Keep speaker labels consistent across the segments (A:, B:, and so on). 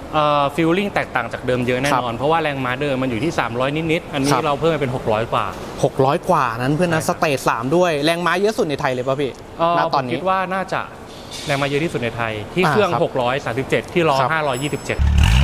A: ฟิลลิ่งแตกต่างจากเดิมเยอะแน่นอนเพราะว่าแรงม้าเดิมมันอยู่ที่300นิดๆอันนี้เราเพิ่มมาเป็น600กว่า
B: 600กว่านั้นเพื่อนนะสเตจ3ด้วยแรงม้าเยอะสุดในไทยเลยป่ะพี่ณตอนนี้
A: คิดว่าน่าจะแรงม้าเยอะที่สุดในไทยที่เครื่อง637ที่ล้อ527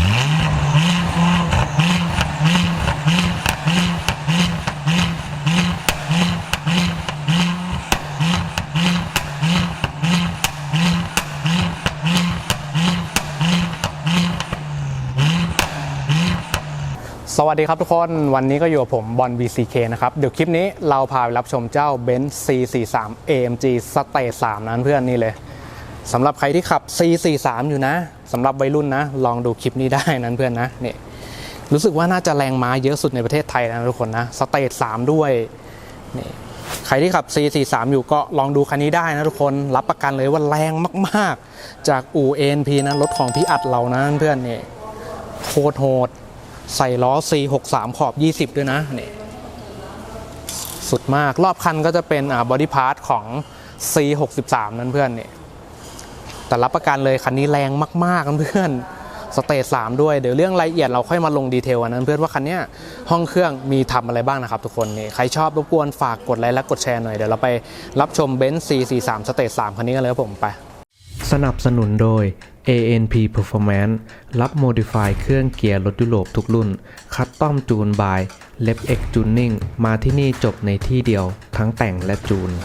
B: สวัสดีครับทุกคนวันนี้ก็อยู่กับผมบอล BCK นะครับเดี๋ยวคลิปนี้เราพาไปรับชมเจ้า Benz C43 AMG Stage 3นั้นเพื่อนนี่เลยสำหรับใครที่ขับ C43 อยู่นะสำหรับวัยรุ่นนะลองดูคลิปนี้ได้นั้นเพื่อนนะนี่รู้สึกว่าน่าจะแรงม้าเยอะสุดในประเทศไทยนะทุกคนนะ Stage 3ด้วยนี่ใครที่ขับ C43 อยู่ก็ลองดูคันนี้ได้นะทุกคนรับประกันเลยว่าแรงมากๆจากอู่ ANP นะรถของพี่อัดเรานะเพื่อนนี่โคตรโหดใส่ล้อ C63 ขอบ20ด้วยนะนี่สุดมากรอบคันก็จะเป็นบอดี้พาร์ทของ C63 นั้นเพื่อนนี่แต่รับประกันเลยคันนี้แรงมากๆนะเพื่อนสเตจ3ด้วยเดี๋ยวเรื่องรายละเอียดเราค่อยมาลงดีเทลนั้นเพื่อนว่าคันนี้ห้องเครื่องมีทำอะไรบ้างนะครับทุกคนนี่ใครชอบรบกวนฝากกดไลค์และกดแชร์หน่อยเดี๋ยวเราไปรับชม Benz C43 สเตจ3คันนี้กันเลยครับผมไป
C: สนับสนุนโดย ANP Performance รับ Modify เครื่องเกียร์รถยุโรปทุกรุ่นคัสตอมจูนบาย LabX Tuning มาที่นี่จบในที่เดียวทั้งแต่งและจูน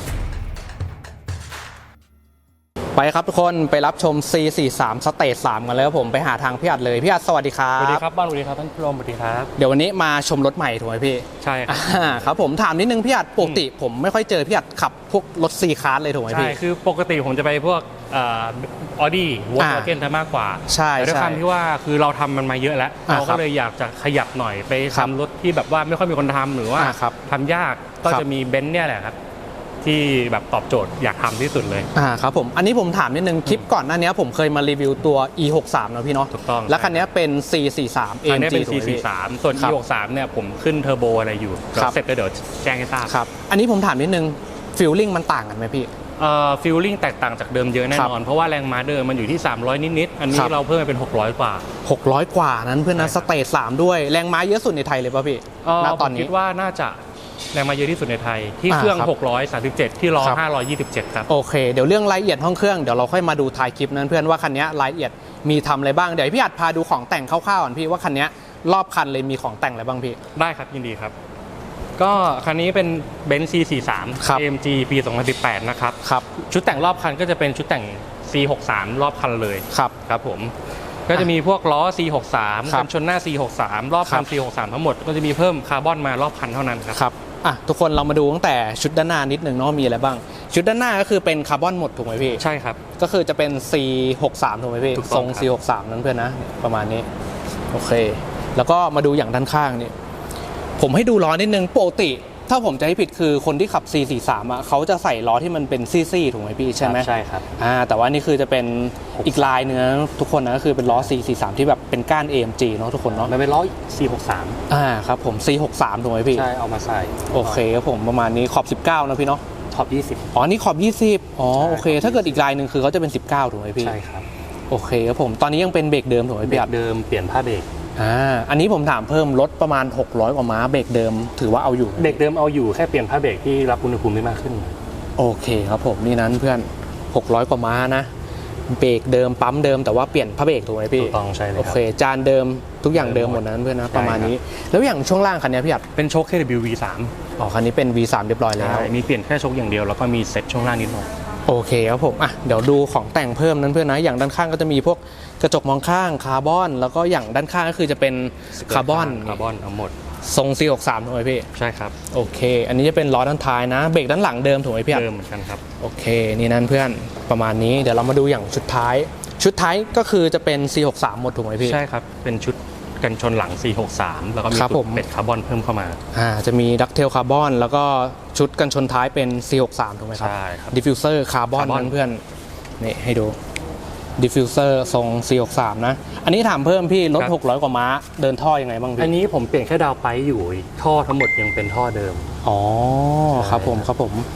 B: ไปครับทุกคนไปรับชม C43 สเตจ3กันเลยครับผมไปหาทางพี่อัดเลยพี่อัดสวัสดีครับ
A: สวัสดีครับบ้านสวัสดีครับท่านผู้ชมสวัสดีครับ
B: เดี๋ยววันนี้มาชมรถใหม่ถูกไหมพี่
A: ใช่ครับ
B: ครับผมถามนิดนึงพี่อัดปกติผมไม่ค่อยเจอพี่อัดขับพวกรถ C Class เลยถูกไหมพี่
A: ใช่คือปกติผมจะไปพวกออดี้วอล์กเกนมากกว่า
B: ใช่
A: ด้วยความที่ว่าคือเราทำมันมาเยอะแล้วเราก็เลยอยากจะขยับหน่อยไปทำรถที่แบบว่าไม่ค่อยมีคนทำหรือว่าทำยากก็จะมีเบนซ์เนี่ยแหละครับที่แบบตอบโจทย์อยากทำที่สุดเลย
B: ครับผมอันนี้ผมถามนิดนึงคลิปก่อนหน้านี้ผมเคยมารีวิวตัว E63 นะพี่เนาะ
A: ถูกต้อง
B: แล้วคันนี้เป็น C43
A: AMG เป็น C43 ส่วน E63 เนี่ยผมขึ้นเทอร์โบอะไรอยู่เสร็จก็เดี๋ยวแจ้งให้ทราบ
B: ครับอันนี้ผมถามนิดนึงฟีลลิ่งมันต่างกันไหมพี่
A: ฟีลลิ่งแตกต่างจากเดิมเยอะแน่นอนเพราะว่าแรงม้าเดิมมันอยู่ที่300นิดๆอันนี้เราเพิ่มมาเป็น600กว่า
B: 600กว่านั้นเพื่อนนะสเตจ3ด้วยแรงม้าเยอะสุดในไทยเลยป่ะพี่
A: ณตอนนี้คิดว่าน่าจะแรงม้าเยอะที่สุดในไทยที่เครื่อง637ที่ล้อ527ครับ
B: โอเคเดี๋ยวเรื่องรายละเอียดห้องเครื่องเดี๋ยวเราค่อยมาดูท้ายคลิปนั้นเพื่อนว่าคันนี้รายละเอียดมีทำอะไรบ้างเดี๋ยวพี่อัดพาดูของแต่งคร่าวๆก่อนพี่ว่าคันนี้รอบคันเลยมีของแต่งอะไรบ้างพี่
A: ได้ครับยินดีครับก็คันนี้เป็น Benz C43 AMG ปี2018นะครับชุดแต่งรอบคันก็จะเป็นชุดแต่ง C63 รอบคันเลยครับผมก็จะมีพวกล้อ C63 กันชนหน้า C63 รอบคัน C63 ทั้งหมดก็จะมีเพิ่มคาร์บอนมารอบคันเท่านั้นครับ
B: ทุกคนเรามาดูตั้งแต่ชุดด้านหน้านิดหนึ่งเนาะมีอะไรบ้างชุดด้านหน้าก็คือเป็นคาร์บอนหมดถูกไหมพี่
A: ใช่ครับ
B: ก็คือจะเป็น C63 ถูกไหมพี่ทรง C63 นั้นเพื่อนนะประมาณนี้โอเคแล้วก็มาดูอย่างด้านข้างนี่ผมให้ดูล้อนิดนึงปกติถ้าผมจะให้ผิดคือคนที่ขับ C43 เขาจะใส่ล้อที่มันเป็นซี่ๆถูกไหมพี่ใช่ไหม
A: ใช่ครับ
B: แต่ว่านี่คือจะเป็นอีกลายเนื้อทุกคนนะก็คือเป็นล้อ C43 ที่แบบเป็นก้าน AMG เนาะทุกคนเนาะ
A: มันเป็นล้อ C63
B: ครับผม C63 ถูกไหมพี่
A: ใช่เอามาใส่
B: โอเคครับผมประมาณนี้ขอบ19นะพี่เนาะ
A: ขอบ20
B: นี่ขอบ20โอเคถ้าเกิดอีกลายหนึ่งคือเขาจะเป็น19ถูกไหมพี่
A: ใช่ครับ
B: โอเคครับผมตอนนี้ยังเป็นเบรกเดิมถูกไหมพี่
A: เบรกเดิมเปลี่ยนผ้าเบรก
B: อันนี้ผมถามเพิ่มรถประมาณ600กว่าม้าเบรกเดิมถือว่าเอาอยู่
A: เบรกเดิมเอาอยู่แค่เปลี่ยนผ้าเบรกที่รับอุณหภูมิได้มากขึ้น
B: โอเคครับผมนี่นั้นเพื่อน600กว่าม้านะเบรกเดิมปั๊มเดิมแต่ว่าเปลี่ยนผ้าเบรกถูกไหมพี่
A: ถูกต้องใช่เลย
B: โอเคจานเดิมทุกอย่างเดิมหมดนั้นเพื่อนนะประมาณนี้แล้วอย่างช่วงล่างคันนี้พี่อัด
A: เป็นโชค KW V3
B: คันนี้เป็น V3 เรียบร้อยแล้ว
A: มีเปลี่ยนแค่โชคอย่างเดียวแล้วก็มีเซ็ตช่วงล่างนิดหน่อย
B: โอเคครับผมเดี๋ยวดูของแต่งเพิ่มนั้นเพื่อนนะอย่างด้านข้างก็จะมีพวกกระจกมองข้างคาร์บอนแล้วก็อย่างด้านข้างก็คือจะเป็นคาร์บอน
A: ทั้งหมด
B: ทรง C63 ถูกไหมพี่
A: ใช่ครับ
B: โอเคอันนี้จะเป็นล้อด้านท้ายนะเบรกด้านหลังเดิมถูกไหมพี่
A: เดิมเหมือนกันครับ
B: โอเคนี่นั่นเพื่อนประมาณนี้เดี๋ยวเรามาดูอย่างชุดท้ายก็คือจะเป็น C63 หมดถูกไหมพี่
A: ใช่ครับเป็นชุดกันชนหลัง C63 แล้วก็มีตุ่มเป็ดคาร์บอนเพิ่มเข้ามา
B: จะมีดักเทลคาร์บอนแล้วก็ชุดกันชนท้ายเป็น C63 ถูกไหมครับ
A: ใช่ครับ
B: ดิฟฟิวเซอร์คาร์บอนนั่นเพื่อนนี่ให้ดูดิฟฟิวเซอร์ทรง C63 นะอันนี้ถามเพิ่มพี่รถ600กว่าม้าเดินท่อยังไงบ้างพี่
A: อันนี้ผมเปลี่ยนแค่ดาวไปอยู่ท่อทั้งหมดยังเป็นท่อเดิม
B: ครับผม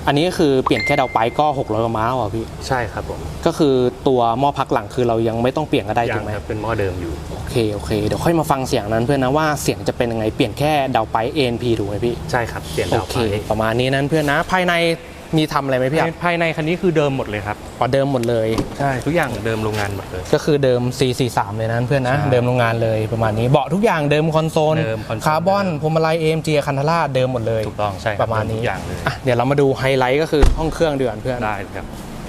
B: อันนี้ก็คือเปลี่ยนแค่ดาวไปก็600กว่าม้าอ่ะพี่
A: ใช่ครับผม
B: ก็คือตัวหม้อพักหลังคือเรายังไม่ต้องเปลี่ยนก็ได้
A: ยั
B: ถู
A: ง
B: กไหม
A: ครับเป็นหม้อเดิมอยู่
B: โอเคเดี๋ยวค่อยมาฟังเสียงนั้นเพื่อนนะว่าเสียงจะเป็นยังไงเปลี่ยนแค่ดาวไป ANP ถูกไหมพี่
A: ใช่ครับเปลี่ยน
B: โอ
A: ดาว
B: เค
A: ไป
B: ประมาณนี้นั้นเพื่อนนะภายในมีทำอะไรไหมพี่อ่ะ
A: ภายในคันนี้คือเดิมหมดเลยครับ
B: อ๋อเดิมหมดเลย
A: ใช่ทุกอย่างเดิมโรงงานหมดเลย
B: ก็คือเดิม C43 เลยนะเพื่อนนะ
A: ใช่
B: เดิมโรงงานเลยประมาณนี้เบาะทุกอย่างเดิมคอนโซล
A: เดิมคอนโซล
B: คาร์บอนพวงมาลัย AMG คันธาราเดิมหมดเลย
A: ถูกต้องใช่คบ
B: ประมาณนี้
A: ทุกอย่างเลย
B: อ่ะเดี๋ยวเรามาดูไฮไลท์ก็คือห้องเครื่องเดือนเพื่อน
A: ได้ครับ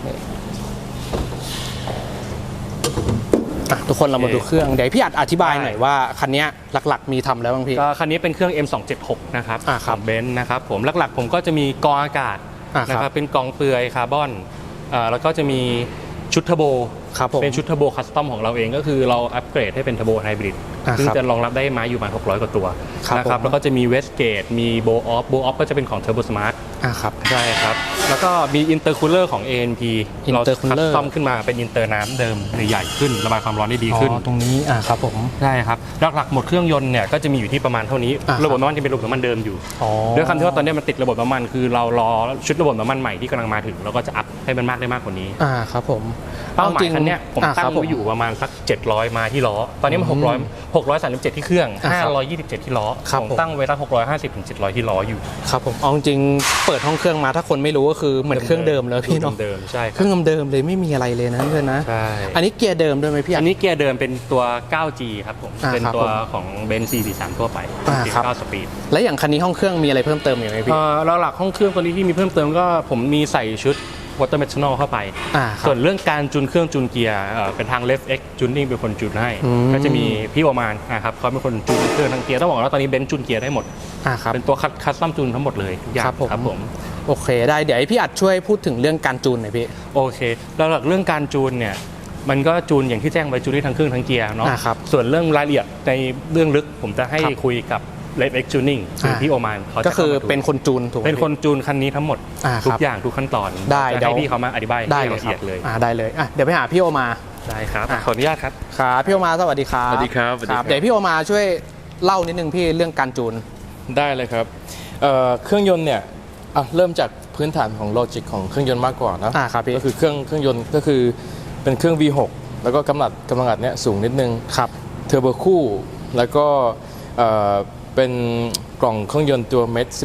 B: อ่ะทุกคนเรามาดูเครื่องเดี๋ยวพี่อัดอธิบาย
A: ได้
B: หน่อยว่าคันเนี้ยหลักๆมีทำแล้วบ้างพี่
A: ก็คันนี้เป็นเครื่อง M276 นะครับ
B: อ่าครับ
A: เบนซ์นะครับผมหลักๆผมก็จะมีกรองอากาศ
B: อ่าครับ
A: นะครับเป็นกรองเปลือยคาร์บอนแล้วก็จะมีชุดเทอร์โบ
B: ครับผม
A: เป็นชุดเทอร์โบคัสตอมของเราเองก็คือเราอัปเกรดให้เป็นเทอร์โบไฮบริด
B: อ่า
A: ซึ่ง
B: ครับ
A: จะรองรับได้ม้าอยู่ประมาณ600 กว่าตัว
B: ครับ
A: นะครับ
B: ผม
A: แล้วก็จะมีเวสเกตมีโบออฟก็จะเป็นของเทอร์โบสมาร์ท
B: ครับ
A: ใช่ครับ แล้วก็มีอินเตอร์คูลเลอร์ของ ANP เราคัส
B: Intercooler
A: ตอมขึ้นมาเป็นอินเตอร์น้ำเดิมใหญ่ขึ้นระบายความร้อนได้ดีขึ้น
B: อ๋อตรงนี้ครับผม
A: ใช่ครับหลักๆหมดเครื่องยนต์เนี่ยก็จะมีอยู่ที่ประมาณเท่านี้
B: อ่าครับ
A: ระบบน้ำมันจะเป็นระบบน้ำมันเดิมอยู่
B: อ๋อ
A: ด้วยคำที่ว่าตอนนี้มันติดระบบน้ำมันคือเรารอชุดระบบน้ำมันใหม่ที่กำลังมาถึงเราก็จะอัพให้มันมากได้มากกว่านี้
B: ครับผม
A: เป้าหมายคันเนี้ยผมตั้ง
B: ครับ
A: ไว้อยู่ประมาณสัก700มาที่ล้อตอนนี้มัน637ที่เครื่อง
B: อ่าครับ
A: 527ที่ล้อ
B: ครับ
A: ผม
B: ผม
A: ตั้งไว้สัก650ถึง700ที่ล้ออยู่
B: ครับผมเอาจริงๆเปิดห้องเครื่องมาถ้าคนไม่รู้ก็คือเหมือนเครื่องเดิมเลยพี่เนาะ
A: เดิมๆใช่ค
B: เครับ รื่องเดิมๆเลยไม่มีอะไรเลยนะเพื่อนนะ
A: ใช่
B: อันนี้เกียร์เดิมด้วยไหมพี่
A: อันนี้เกียร์เดิมเป็นตัว 9G ครับผม
B: อ่า
A: เป็น
B: ครับ
A: ตัว
B: ผม
A: ของเบนซ์ C43 ทั่วไป
B: อ่า
A: เกีย
B: ครับ
A: ร์9สปีด
B: และอย่างคันนี้ห้องเครื่องมีอะไรเพิ่มเติมอยู่ไหมพี่
A: หลักๆห้องเครื่องตัวนี้ที่มีเพิ่มเติมก็ผมมีใส่ชุด Water Methanol เข้าไป
B: ครับ
A: ส่วนเรื่องการจูนเครื่องจูนเกียร์เป็นทาง Left X Tuning เป็นคนจูนให้
B: อืม
A: ก็จะมีพี่ประมาณนะครับเขาเป็นคนจูนเครื่องทั้งเกียร์ต้องบอกว่าตอนนี้เบนซ์จูนเกียร์ได้หมด
B: ครับ
A: เป็นตัวคัสตอมจูนทั้งหมดเลยทุกอย่าง
B: ครับผม โอเคได้เดี๋ยวให้พี่อัดช่วยพูดถึงเรื่องการจูนหน่อยพี่
A: โอเคแล้วหลักเรื่องการจูนเนี่ยมันก็จูนอย่างที่แจ้งไปจูนได้ทั้งเครื่องทั้งเกียร์เนาะ
B: ครับ
A: ส่วนเรื่องรายละเอียดในเรื่องลึกผมจะให้
B: ครับ
A: คุยกับ Left X Tuning คือพี่โอมานเขาจะ
B: ก็คือ
A: ข้ามาดู
B: เป็นคนจูนถูกไหม
A: เป็นคนจูนคันนี้ทั้งหมด
B: ครับ
A: ทุกอย่างทุกขั้นตอน
B: ได้
A: จะ
B: เดี๋ยว
A: ให้พี่เขามาอธิบาย
B: ได้
A: ให้
B: เลย
A: ละ
B: ครั
A: เอีย
B: บ
A: ดเลย
B: ได้เลยเดี๋ยวไปหาพี่โอมา
A: ได้ครับ
B: อ่ะ
A: ขออนุญาตครับ
B: ครับพี่โอมาสวัสดีครับ
D: สวัสดีครับสวัสดีครับ
B: เดี๋ยวพี่โอมาช่วยเล่านิดนึงพี่เรื่องการจูน
D: ได้เลยครับเครื่องยนต์เนี่ยเริ่มจากพื้นฐานของโลจิกของเครื่องยนต์มากกว่านะครับ
B: พี่
D: ก็คือเครื่องยนต์ก็คือเป็นเครื่อง V6 แล้วก็กำลังอัดเนี่ยสูงนิดนึง
B: ครับ
D: เทอร์โบคู่แล้วก็เป็นกล่องเครื่องยนต์ตัวเม็ด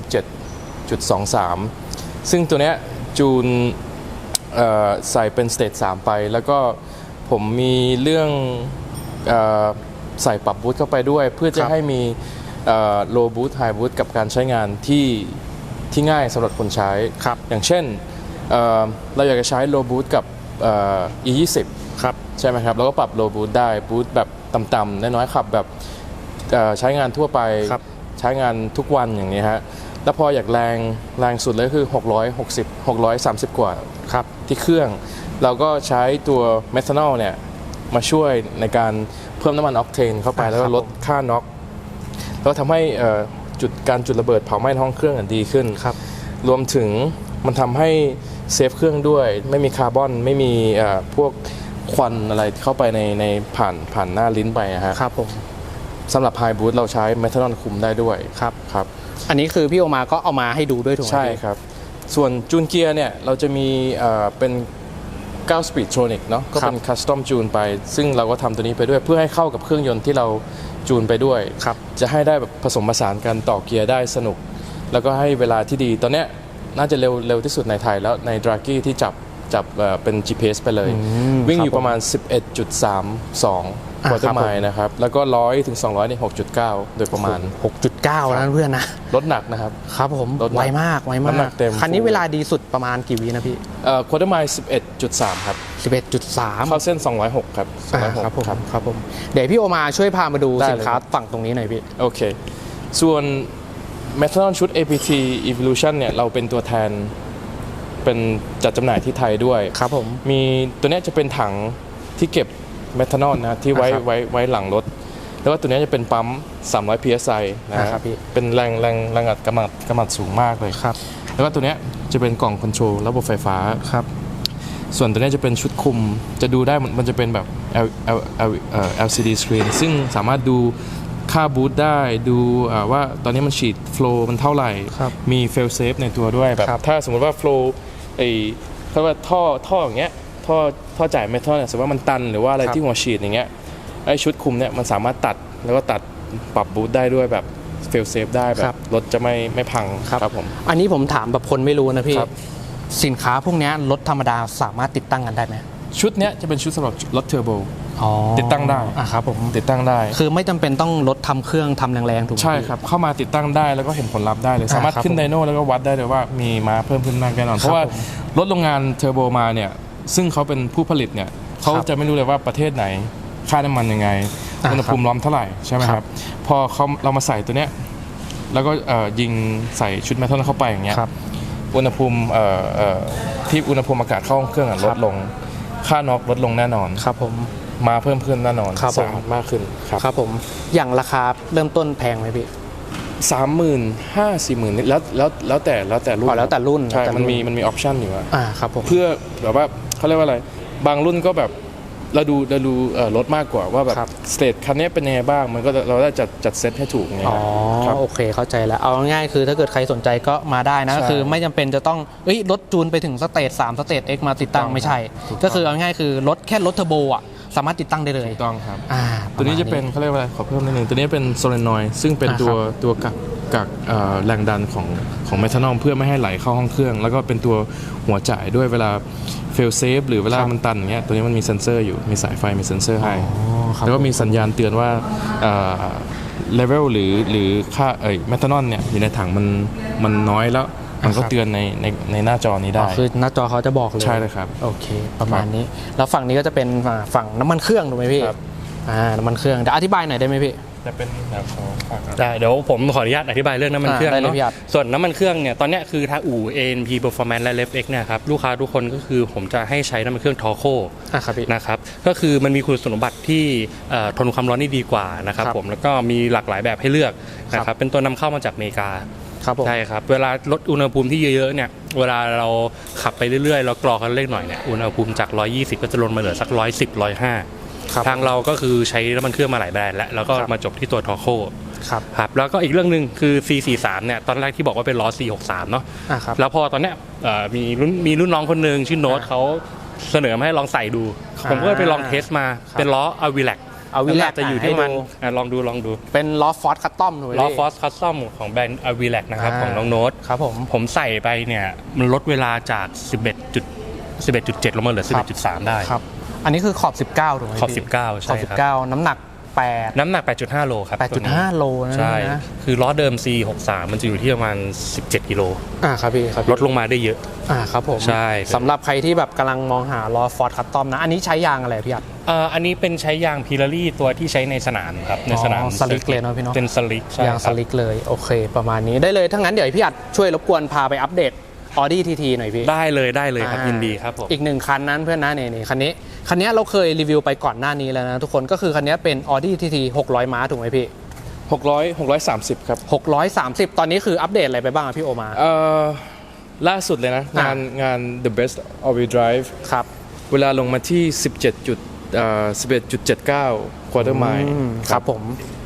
D: 17.23 ซึ่งตัวเนี้ยจูนใส่เป็นสเตจ3ไปแล้วก็ผมมีเรื่องใส่ปรับบูทเข้าไปด้วย เพื่อจะให้มีโลบูทไฮบูทกับการใช้งานที่ง่ายสำหรับคนใช้
B: ครับ
D: อย่างเช่นเราอยากจะใช้โลบูทกับE20
B: ครับ
D: ใช่ไหมครับเราก็ปรับโลบูทได้บูทแบบต่ำๆน้อยๆขับแบบใช้งานทั่วไป
B: ครับ
D: ใช้งานทุกวันอย่างนี้ฮะแล้วพออยากแรงสุดเลยคือ630 กว่า
B: ครับ
D: ที่เครื่อง เราก็ใช้ตัวเมทานอลเนี่ยมาช่วยในการเพิ่มน้ำมันออกเทนเข้าไปแล้วก็ลดค่าน็อกแล้วทำให้การจุดระเบิดเผาไหม้ท้องเครื่องดีขึ้น
B: ครับ
D: รวมถึงมันทำให้เซฟเครื่องด้วยไม่มีคาร์บอนไม่มีพวกควันอะไรเข้าไปในผ่านหน้าลิ้นไปนะฮะ
B: ครับผม
D: สำหรับไฮบูทเราใช้เมทานอลคุมได้ด้วย
B: ครับ
D: ครับ
B: อันนี้คือพี่โอมาก็เอามาให้ดูด้วยถูกไหม
D: ใช่
B: พี่
D: ครับ ส่วนจูนเกียร์เนี่ยเราจะมีเป็น9 Speed Tronic เนาะก็เป็นคัสตอมจูนไป ซึ่งเราก็ทำตัวนี้ไปด้วยเพื่อให้เข้ากับเครื่องยนต์ที่เราจูนไปด้วย
B: ครับ
D: จะให้ได้แบบผสมผสานกันต่อเกียร์ได้สนุก แล้วก็ให้เวลาที่ดีตอนเนี้ยน่าจะเร็วที่สุดในไทยแล้วในดรากี้ที่จับเป็น GPS ไปเลย วิ่งอยู่ประมาณ 11.32 ควอเตอร์ไมล์นะครับ แล้วก็100ถึง200ใน 6.9 โดยประมาณ
B: 6.9นะเพื่อนนะ
D: รถหนักนะครับ
B: ครับผม
D: รถหนัก
B: ไวมาก
D: น้ำหนักเต็ม
B: คันนี้เวลาดีสุดประมาณกี่วินะพี่
D: ควอเตอร์ไมล์ 11.3 ครับ
B: 11.3
D: เข้าเส้น 206 ครับ 206
B: ครับผมครับผมเดี๋ยวพี่โอมาช่วยพามาดู
D: ได้เลย
B: สินค้าฝั่งตรงนี้หน่อยพี่
D: โอเค ส่วน Methanol ชุด APT Evolution เนี่ยเราเป็นตัวแทนเป็นจัดจำหน่ายที่ไทยด้วย
B: ครับผม
D: มีตัวเนี้ยจะเป็นถังที่เก็บเมทานอลนะที่ไว้
B: ครับ
D: ไว้หลังรถ แล้วก็ตัวเนี้ยจะเป็นปั๊ม 300 psi นะ
B: ค
D: ค
B: รั
D: รั
B: บบ พี่
D: เป็นแรงอัดกำลังสูงมากเลย
B: ครับ
D: แล้วก็ตัวเนี้ยจะเป็นกล่องคอนโทรลระบบไฟฟ้า
B: ครับ
D: ส่วนตัวเนี้ยจะเป็นชุดคุมจะดูได้มันจะเป็นแบบLCD screen ซึ่งสามารถดูค่าบูทได้ดูว่าตอนนี้มันฉีดโฟล์มันเท่าไหร่
B: ครับ
D: มีเฟลเซฟในตัวด้วยแบบ
B: ครับ
D: ถ้าสมมติว่าโฟล์เขาว่าท่ออย่างเงี้ยท่อจ่ายเมทัลเนี่ยสมมติว่ามันตันหรือว่าอะไร
B: ครับ
D: ที่หัวฉีดอย่างเงี้ยไอชุดคุมเนี่ยมันสามารถตัดแล้วก็ตัดปรับบูทได้ด้วยแบบเฟลเซฟได้แบบรถจะไม่พังครับผม
B: อันนี้ผมถามแบบคนไม่รู้นะพี่
D: ครับ
B: สินค้าพวกเนี้ยรถธรรมดาสามารถติดตั้งกันได้ไหม
D: ชุดเนี้ยจะเป็นชุดสำหรับรถเทอร์โบ
B: อ๋อ
D: ติดตั้งได้
B: ครับผม
D: ติดตั้งได้
B: คือไม่จำเป็นต้องรถทำเครื่องทำแรงๆถูกไหม
D: ใช่
B: พี่
D: ครับเข้ามาติดตั้งได้แล้วก็เห็นผลลัพธ์ได้เลย สามารถ
B: ครับ
D: ขึ้นไดโน่แล้วก็วัดได้เลยว่ามีม้าเพิ่มขึ้นมากแน่นอน เพราะว่า
B: ผม
D: รถโรงงานเทอร์โบมาเนี่ยซึ่งเขาเป็นผู้ผลิตเนี่ยเขาจะไม่รู้เลยว่าประเทศไหนค่าน้ำมันยังไง
B: อ่า
D: อุณหภูมิร้อนเท่าไหร่ใช่ไหม
B: ค
D: ค
B: รั
D: รับ บพอเรามาใส่ตัวเนี้ยแล้วก็ยิงใส่ชุดเมทัลเข้าไปอย่างเงี้ย
B: ครับ
D: อุณหภูมิที่อุณหภูมิอากาศเข้าห้องเครื่องอะลดลงค่าน็อกลดลงแน่นอน
B: ครับผม
D: มาเพิ่มขึ้นแน่นอน
B: ครับผม
D: สะอาดมากขึ้นครับ
B: ครับผมอย่างราคาเริ่มต้นแพงไหมพี่
D: 35,000-40,000นี่แล้วแต่รุ่น
B: อ๋อแล้วแต่รุ่น
D: ใช่
B: แล้วแต่รุ่น
D: มันมีออปชันอยู่อะ
B: ครับผม
D: เพื่อแบบว่าเขาเรียกว่าอะไรบางรุ่นก็แบบเราดูรถมากกว่าว่าแบบ
B: ครับ
D: สเตทคันนี้เป็นยังไงบ้างมันก็เราได้จัดเซตให้ถูกไง
B: อ๋อ
D: ครับ
B: โอเคเข้าใจแล้วเอาง่ายๆคือถ้าเกิดใครสนใจก็มาได้นะ
D: ใช่
B: คือไม่จำเป็นจะต้องรถจูนไปถึงสเตจ3สเตจ X มาติดตั้ง
D: ถูกต้อง
B: ไม่ใช่
D: ถูกต้อง
B: ก็คือเอาง่ายๆคือรถแค่รถเทอร์โบอ่ะสามารถติดตั้งได้เลย
D: ถูกต้องครับ
B: ประมาณ
D: ตัวนี้จะเป็นเขาเรียกว่าอะไรขอเพิ่มนิดนึงตัวนี้เป็นโซเลนอยด์ซึ่งเป็น
B: อ่า
D: ตัวกักแรงดันของเมทานอลเพื่อไม่ให้ไหลเข้าห้องเครื่อง แล้วก็เป็นตัวหัวจ่ายด้วยเวลาเฟลเซฟหรือเวลามันตันอย่างเงี้ยตัวนี้มันมีเซ็นเซอร์อยู่มีสายไฟมีเซ็นเซอร์ให้
B: ครับ
D: แล้วก็มีสัญญาณเตือนว่าเลเวลหรือค่าเมทานอลเนี่ยอยู่ในถังมันน้อยแล้วมันก็เตือนในหน้าจอนี้ได้
B: คือหน้าจอเขาจะบอกเลย
D: ใช่เลยครับ
B: โอเค ประมาณนี้ แล้วฝั่งนี้ก็จะเป็นฝั่งน้ำมันเครื่องถูกไหมพี่
D: ครับ
B: น้ำมันเครื่องเดี๋ยวอธิบายหน่อยได้ไหมพี่
D: จะเป็นแบบของฝากครับ
A: ได้เดี๋ยวผมขออนุญาตอธิบายเรื่องน้ำมันเครื่อง
B: ได้เลย
A: เนาะ
B: พี่อัด
A: ส่วนน้ำมันเครื่องเนี่ยตอนเนี้ยคือทางอู่ ANP Performance และ LevX เนี่ยครับลูกค้าทุกคนก็คือผมจะให้ใช้น้ำมันเครื่องทอโค
B: ครับพี่
A: นะครับก็คือมันมีคุณสมบัติที่ทนความร้อนได้ดีกว่านะครับ
B: ครับ
A: ผมแล้วก็มีหลากหลายแบบให้เลือกนะค
B: ครั
A: รับบ เป็นตัวนำเข้ามาจากอเมริกา
B: ครับผม
A: ใช่ครับเวลาลดอุณหภูมิที่เยอะๆเนี่ยเวลาเราขับไปเรื่อยๆเรากรอกันเล็กหน่อยเนี่ยอุณหภูมิจาก 120 ก็จะลงมาเหลือสัก 110 105
B: ครับ
A: ทางเราก็คือใช้น้ำมันเครื่องมาหลายแบรนด์แล้วก็
B: ครับ
A: มาจบที่ตัวทอโค
B: ครับ
A: ครับแล้วก็อีกเรื่องหนึ่งคือ C43 เนี่ยตอนแรกที่บอกว่าเป็นล้อ C63 เนาะ
B: ครับ
A: แล้วพอตอนเนี้ยมีรุ่นน้องคนหนึ่งชื่อโน้ตเขาเสนอมาให้ลองใส่ดู ผมก็ไปลองเทสมาเป็นล้อ Avilac
B: เอาวิแลก
A: จะอยู่ที่มัน
B: ให้ดู
A: ลองดู
B: เป็นล้อฟอร์ดคัตตอมถูกไหม
A: ล้อ
B: พี่
A: ฟอสคัสตอมของแบรนด์ Avilac นะครับของน้องโน้ต
B: ครับผม
A: ผมใส่ไปเนี่ยมันลดเวลาจาก 11.7 ลงมาเหลือ 11.3 ได้
B: ครับ อันนี้คือขอบ 19ถูกไหม
A: ขอบ
B: พี่
A: 19 ใช่
B: ขอบ
A: ครับ
B: 19 น้ำหนัก 8
A: น้ำหนัก 8.5 โลครับตัวนี้
B: 8.5 โลนะ
A: ใช่
B: นะ
A: คือล้อเดิม C63 มันจะอยู่ที่ประมาณ 17 กิโล
B: ครับพี่ครับ
A: ลดลงมาได้เยอะ
B: ครับผม
A: ใช่
B: สำหรับใครที่แบบกำลังมองหาล้อฟอร์ดคัตตอมนะ อันนี้ใช้ยางอะไรพี่อัด
A: อันนี้เป็นใช้ยางพิลารี่ตัวที่ใช้ในสนามครับในสนาม
B: สลิกเลยเนาะพี่เนาะ
A: เป็นสลิกใช่
B: ยาง
A: ค
B: ส
A: รับ
B: ลิกเลยโอเค ประมาณนี้ได้เลยถ้างั้นเดี๋ยวพี่อัดช่วยรบกวนพาไปอัปเดต Audi TT หน่อยพี่
A: ได้เลยครับยินดีครับผม
B: อีกหนึ่งคันนั้นเพื่อนนะนี่คันนี้เราเคยรีวิวไปก่อนหน้านี้แล้วนะทุกคนก็คือคันนี้เป็น Audi TT 600 ม้าถูกไหมพี่
D: 630ครับ
B: 630 ตอนนี้คืออัปเดตอะไรไปบ้างอะพี่โอมา
D: ล่าสุดเลยนะงาน The Best All Wheel Drive
B: ครับ
D: เวลาลงมาที่ 11.79 quarter mile
B: ครับผม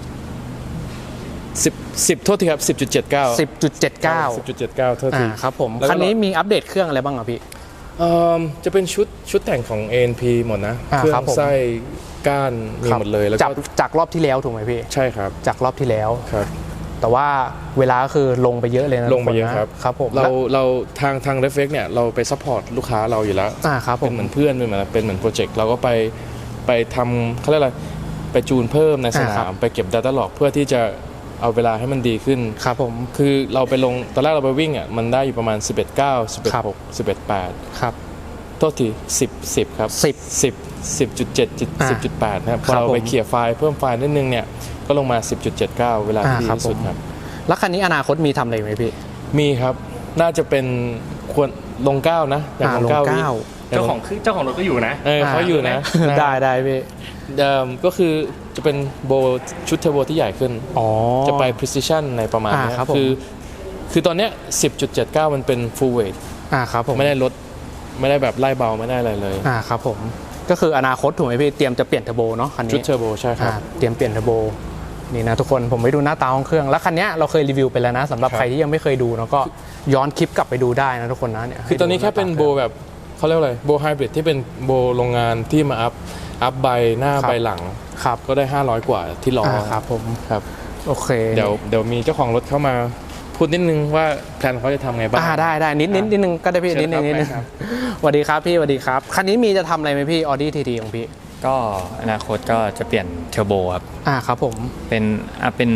D: 10โทษทีครับ 10.79
B: 10.79
D: 10.79โทษที
B: ครับผม
D: แล้วก็
B: คันนี้มีอัปเดตเครื่องอะไรบ้างอะพี่
D: จะเป็นชุดแต่งของ ANP หมดนะ เครื่
B: ครับผม
D: ไส้ก้านมีหมดเลยแล้ว
B: จา
D: ก็
B: จากรอบที่แล้วถูกไหมพี่
D: ใช่ครับ
B: จากรอบที่แล้ว
D: ครับ
B: แต่ว่าเวลาก็คือลงไปเยอะเลยนะ
D: ลงไปเยอะ
B: ทุกนนะครับผม
D: เราทาง Reflex เนี่ยเราไปซัพพอร์ตลูกค้าเราอยู่แล้ว
B: ครับผ
D: เป็น
B: ม
D: เหมือนเพื่อนเป็นเหมือนโปรเจกต์เราก็ไปทำเขาเรียกอะไรไปจูนเพิ่มในสนา
B: ครั
D: ม
B: บ
D: ไปเก็บ Data Log เพื่อที่จะเอาเวลาให้มันดีขึ้น
B: ครับผม
D: คือเราไปลงตอนแรกเราไปวิ่งอ่ะมันได้อยู่ประมาณ 11.9
B: ครับ
D: 11.6 11.8
B: ครับ
D: โทษที10ครับ 10.7 10.8นะครับพ
B: ค
D: อ
B: รับ
D: เรา
B: ผม
D: ไปเคลียร์ไฟล์เพิ่มไฟล์นิดนึงเนี่ยก็ลงมา 10.79 เวลาที่ดีที่สุดครับ
B: แล้วคันนี้อนาคตมีทำอะไรไหมพี่
D: มีครับน่าจะเป็นควรลง9นะอย่างลง9วิ
A: เจ้าของรถก็อยู่นะ
D: เขาอยู่นะ
B: ได้พี่
D: ก็คือจะเป็นโบชุดเทอร์โบที่ใหญ่ขึ้น
B: อ๋อ
D: จะไป precision ในประมาณเนี้ย
B: ครับผม
D: คือตอนเนี้ย 10.79 มันเป็น full weight
B: ครับผม
D: ไม่ได้ลดไม่ได้แบบไล่เบาไม่ได้อะไรเลย
B: ครับผมก็คืออนาคตถูกไหมพี่เตรียมจะเปลี่ยนเทอร์โบเนาะคันนี้
D: ชุดเทอร์โบใช่ครับ
B: เตรียมเปลี่ยนเทอร์โบนี่นะทุกคนผมไปดูหน้าตาของเครื่องแล้วคันนี้เราเคยรีวิวไปแล้วนะสำหรับ
D: ครับ
B: ใครที่ยังไม่เคยดูเนาะก็ย้อนคลิปกลับไปดูได้นะทุกคนนะเนี่ย
D: คือตอนนี้แค่เป็นโบแบบเขาเรียกว่าอะไรโบไฮบริดที่เป็นโบโรงงานที่มาอัพใบหน้าใบหลัง
B: ครับ
D: ก็ได้500 กว่าที่ล้อ
B: ครับผม
D: ครับ
B: โอเค
D: เดี๋ยวมีเจ้าของรถเข้ามาพูดนิดนึงว่าแพลนเขาจะทำไงบ้าง
B: ได้นิดนึงก็ได้พี่
D: เชิญ
B: นิดนึง
D: ครับ
B: สวัสดีครับพี่สวัสดีครับคันนี้มีจะทำอะไรไหมพี่ Audi TT ของพี่
E: ก็อนาคตก็จะเปลี่ยนเทอร์โบครับ
B: ครับผม
E: เป็น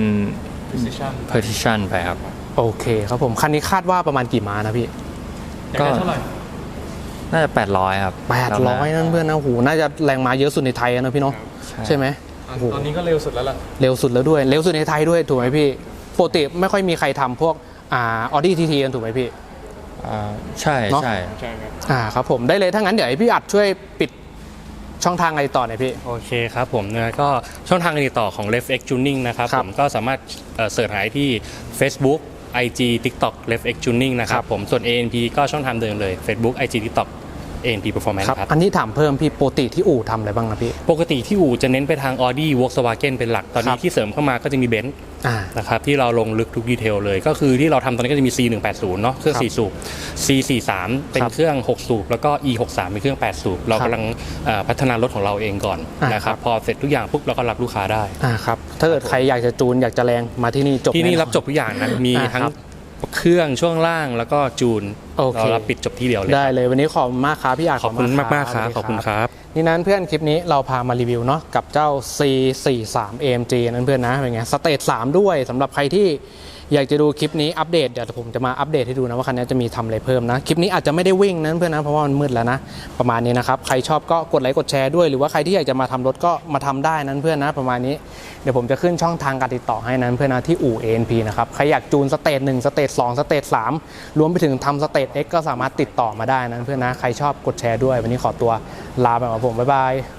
E: Precision ไปครับ
B: โอเคครับผมคันนี้คาดว่าประมาณกี่ม้านะพี่
E: ก็น่าจะ 800 ครับ
B: 800นั่นเพื่อนนะโหน่าจะแรงม้าเยอะสุดในไทยนะพี่เนาะใช่ไหม
D: ตอนนี้ก็เร็วสุดแล้วล่ะ
B: เร็วสุดแล้วด้วยเร็วสุดในไทยด้วยถูกไหมพี่ปกติไม่ค่อยมีใครทำพวกAudi TT กันถูกไหมพี่
E: ใช่
B: เนอะ
E: ใช่
D: ใช่ครับ
B: ครับผมได้เลยถ้างั้นเดี๋ยวให้พี่อัดช่วยปิดช่องทางอะไรต่อหน่อยพี่
A: โอเคครับผมนะก็ช่องทางการติดต่อของ Left X Tuning นะครับ
B: ครับ
A: ผมก็สามารถเสิร์ชหาที่ Facebook IG TikTok Left X Tuning นะค
B: ครั
A: รับบ ผมส่วน ANP ก็ช่องทางเดิมเลย Facebook IG TikTok ANP Performance
B: ครับ
A: ครับ
B: อันนี้ถามเพิ่มพี่ปกติที่อู่ทำอะไรบ้างนะพี่
A: ปกติที่อู่จะเน้นไปทาง Audi Volkswagen เป็นหลัก ตอน
B: ครั
A: นี้
B: บ
A: ที่เสริมเข้ามาก็จะมี Benz
B: อ่า
A: นะครับที่เราลงลึกทุกดีเทลเลย ก็คือที่เราทำตอนนี้ก็จะมี C180 เนาะเครื่อง
B: ครับ
A: 4 สูบ C43 เป็น
B: ครับ
A: เครื่อง 6 สูบ แล้วก็ E63 เป็นเครื่อง 8 สูบ เรา
B: ครับ
A: กำลังพัฒนารถของเราเองก่อน นะค
B: ครั
A: รับบ พอเสร็จทุกอย่างปุ๊บเราก็รับลูกค้าได้
B: ครับถ้าเกิดใครอยากจะจูนอยากจะแรงมาที่นี่จบ
A: ที่นี่
B: แอ
A: รับจบทุกอย่างนะ มี
B: อ่า
A: ทั้ง
B: ครับ
A: เครื่องช่วงล่างแล้วก็จูน
B: โอเค
A: เรารับปิดจบที่เดียวเลย
B: ได้เลยวันนี้ขอบคุณมากครับพี่อาจ
A: ขอบคุณมากๆครับ
B: สวัสดี
A: ขอบคุณครับ
B: นี่นั้นเพื่อนคลิปนี้เราพามารีวิวเนาะกับเจ้า C43 AMG นั้นเพื่อนนะเป็นไงสเตจ3ด้วยสำหรับใครที่อยากจะดูคลิปนี้อัปเดตเดี๋ยวผมจะมาอัปเดตให้ดูนะว่าคันนี้จะมีทำอะไรเพิ่มนะคลิปนี้อาจจะไม่ได้วิ่งนั้นเพื่อนนะเพราะว่ามันมืดแล้วนะประมาณนี้นะครับใครชอบก็กดไลค์กดแชร์ด้วยหรือว่าใครที่อยากจะมาทำรถก็มาทำได้นั้นเพื่อนนะประมาณนี้เดี๋ยวผมจะขึ้นช่องทางการติดต่อให้นั้นเพื่อนนะที่อู่ ANP นะครับใครอยากจูนสเตจ1สเตจ2สเตจ3รวมไปถึงทำสเตจ X ก็สามารถติดต่อมาได้นั้นเพื่อนนะใครชอบกดแชร์ด้วยวันนี้ขอตัวลาไปก่อนครับผมบ๊ายบาย